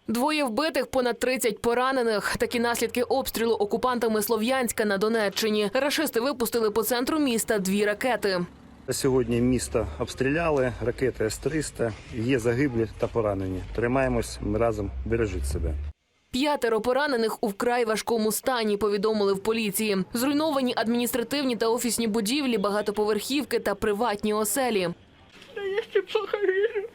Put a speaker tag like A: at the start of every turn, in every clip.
A: Двоє вбитих, понад 30 поранених. Такі наслідки обстрілу окупантами Слов'янська на Донеччині. Рашисти випустили по центру міста 2 ракети.
B: Сьогодні місто обстріляли, ракети С-300, є загиблі та поранені. Тримаємось, ми разом, бережіть себе.
A: 5 поранених у вкрай важкому стані, повідомили в поліції. Зруйновані адміністративні та офісні будівлі, багатоповерхівки та приватні оселі.
C: Я ще плохо вижу.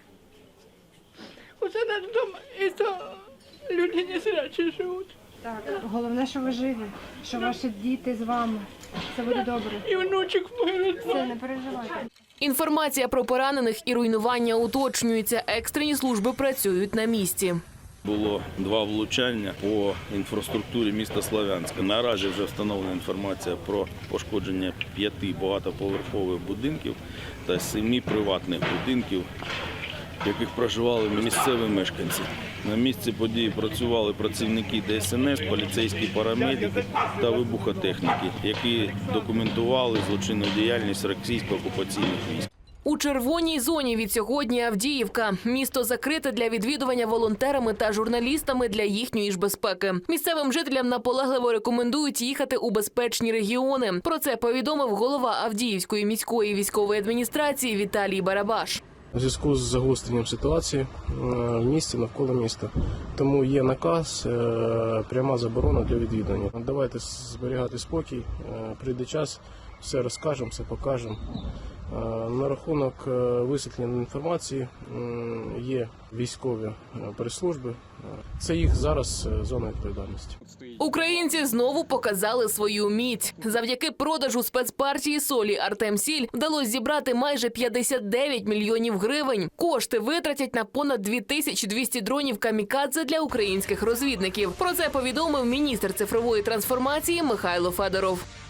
C: Оце наш дом, і то люди не зрячі живуть.
D: Так, головне, що ви живі, що ваші діти з вами. Це буде добре.
C: І внучок мій.
D: Все, не переживайте.
A: Інформація про поранених і руйнування уточнюється. Екстрені служби працюють на місці.
E: Було 2 влучання по інфраструктурі міста Слов'янська. Наразі вже встановлена інформація про пошкодження 5 багатоповерхових будинків та 7 приватних будинків, в яких проживали місцеві мешканці. На місці події працювали працівники ДСНС, поліцейські парамедики та вибухотехніки, які документували злочинну діяльність російсько-окупаційних військ.
A: У червоній зоні від сьогодні Авдіївка. Місто закрите для відвідування волонтерами та журналістами для їхньої ж безпеки. Місцевим жителям наполегливо рекомендують їхати у безпечні регіони. Про це повідомив голова Авдіївської міської військової адміністрації Віталій Барабаш.
F: У зв'язку з загостренням ситуації в місті, навколо міста. Тому є наказ, пряма заборона для відвідування. Давайте зберігати спокій, прийде час, все розкажемо, все покажемо. На рахунок висвітлення інформації є військові прес-служби. Це їх зараз зона відповідальності.
A: Українці знову показали свою міць. Завдяки продажу спецпартії солі «Артемсіль» вдалося зібрати майже 59 мільйонів гривень. Кошти витратять на понад 2200 дронів «Камікадзе» для українських розвідників. Про це повідомив міністр цифрової трансформації Михайло Федоров.